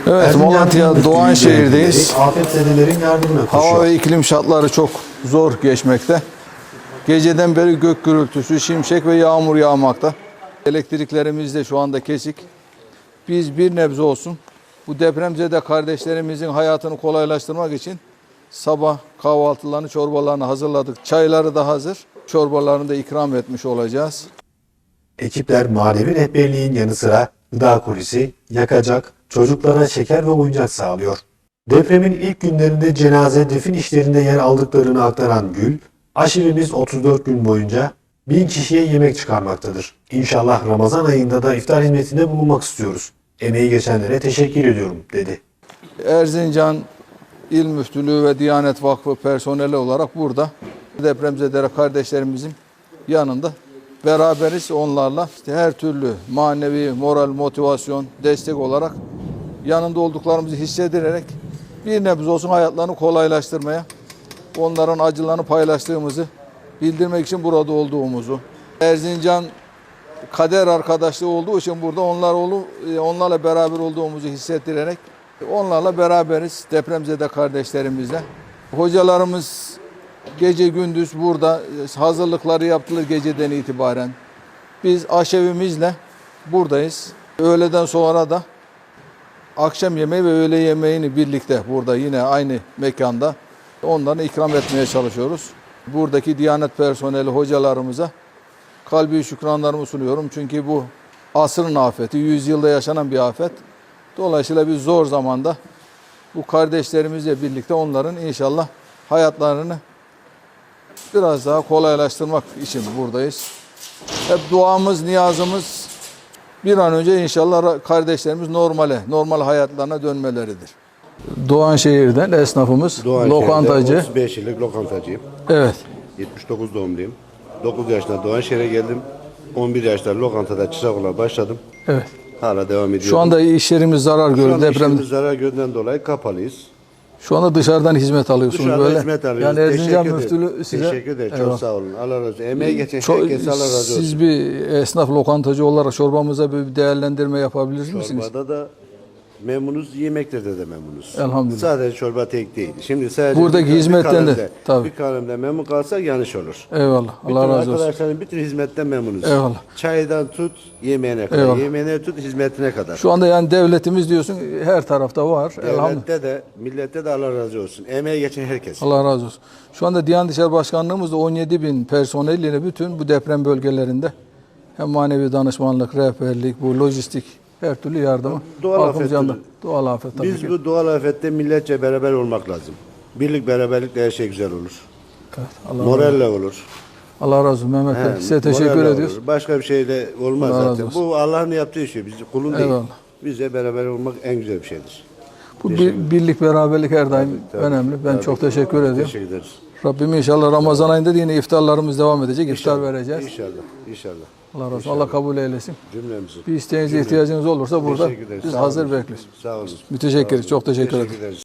Evet, Malatya Doğanşehir'deyiz. Afetzedelerin yardımına koşuyor. Hava ve iklim şartları çok zor geçmekte. Geceden beri gök gürültüsü, şimşek ve yağmur yağmakta. Elektriklerimiz de şu anda kesik. Biz bir nebze olsun bu depremzede kardeşlerimizin hayatını kolaylaştırmak için sabah kahvaltılarını, çorbalarını hazırladık. Çayları da hazır. Çorbalarını da ikram etmiş olacağız. Ekipler manevi rehberliğin yanı sıra gıda kolisi, yakacak, çocuklara şeker ve oyuncak sağlıyor. Depremin ilk günlerinde cenaze defin işlerinde yer aldıklarını aktaran Gül, aşevimiz 34 gün boyunca 1000 kişiye yemek çıkarmaktadır. İnşallah Ramazan ayında da iftar hizmetinde bulunmak istiyoruz. Emeği geçenlere teşekkür ediyorum, dedi. Erzincan İl Müftülüğü ve Diyanet Vakfı personeli olarak burada depremzede kardeşlerimizin yanında beraberiz. Onlarla her türlü manevi, moral, motivasyon, destek olarak yanında olduklarımızı hissederek bir nebze olsun hayatlarını kolaylaştırmaya, onların acılarını paylaştığımızı bildirmek için burada olduğumuzu, Erzincan kader arkadaşlığı olduğu için burada onlarla beraber olduğumuzu hissettirerek onlarla beraberiz depremzede kardeşlerimizle. Hocalarımız gece gündüz burada hazırlıkları yaptılar geceden itibaren. Biz aşevimizle buradayız. Öğleden sonra da akşam yemeği ve öğle yemeğini birlikte burada yine aynı mekanda onlara ikram etmeye çalışıyoruz. Buradaki Diyanet personeli hocalarımıza kalbi şükranlarımı sunuyorum. Çünkü bu asrın afeti, 100 yılda yaşanan bir afet. Dolayısıyla biz zor zamanda bu kardeşlerimizle birlikte onların inşallah hayatlarını biraz daha kolaylaştırmak için buradayız. Hep duamız, niyazımız bir an önce inşallah kardeşlerimiz normal hayatlarına dönmeleridir. Doğanşehir'den esnafımız, lokantacı. 35 yıllık lokantacıyım. Evet. 79 doğumluyum. 9 yaşında Doğanşehir'e geldim. 11 yaşında lokantada çırak olarak başladım. Evet. Hala devam ediyorum. Şu anda iş yerimiz zarar Şu gördü anda depremde. işimiz zarar gördüğünden dolayı kapalıyız. Şu anda dışarıdan hizmet alıyorsunuz Dışarıda böyle. hizmet alıyoruz. Yani Erzincan Teşekkür Müftülüğü ederim. size... Teşekkür ederim. Eyvallah. Çok sağ olun. Allah razı olsun. Emeği geçen Çok- herkese Allah razı olsun. Siz bir esnaf lokantacı olarak çorbamıza bir değerlendirme yapabilir misiniz? Çorbada da memnunuz, yemekte de memnunuz. Elhamdülillah. Sadece çorba tek değil. Şimdi sadece Buradaki hizmetten de, tabii. bir kalemde memnun kalsak yanlış olur. Eyvallah. Allah Bütün razı olsun. arkadaşların bütün hizmetten memnunuz. Eyvallah. Çaydan tut yemeğine kadar, Eyvallah. yemeğine tut hizmetine kadar. Şu anda yani devletimiz diyorsun her tarafta var. Elhamdülillah. Devlette de, millette de Allah razı olsun. Emeği geçen herkes. Allah razı olsun. Şu anda Diyanet İşleri Başkanlığımız da 17 bin personeliyle bütün bu deprem bölgelerinde hem manevi danışmanlık, rehberlik, bu lojistik her türlü yardımı. Doğal halkımız afet yanında. türü. Doğal afet tabii Biz ki. bu doğal afette milletçe beraber olmak lazım. Birlik beraberlikle her şey güzel olur. Evet, Allah razı olsun. Moralle olur. Allah razı olsun Mehmet Bey. He, Size teşekkür moralle ediyoruz. olur. Başka bir şeyle olmaz Allah razı zaten. olsun. Bu Allah'ın yaptığı şey. Biz kulun değil. Eyvallah. Bizle beraber olmak en güzel bir şeydir. Bu birlik, beraberlik her daim Tabii, önemli. Ben tabii. çok teşekkür ediyorum. Teşekkür ederiz. Rabbim inşallah Ramazan ayında da yine iftarlarımız devam edecek. İftar vereceğiz. İnşallah. İnşallah. Allah razı olsun. Allah kabul eylesin. Cümlemizi. Bir isteğiniz, ihtiyacınız olursa burada Teşekkür ederiz. biz Sağ hazır olun. bekliyoruz. Sağ olun. Müteşekkiriz. Çok teşekkür ederim. Teşekkür ederiz.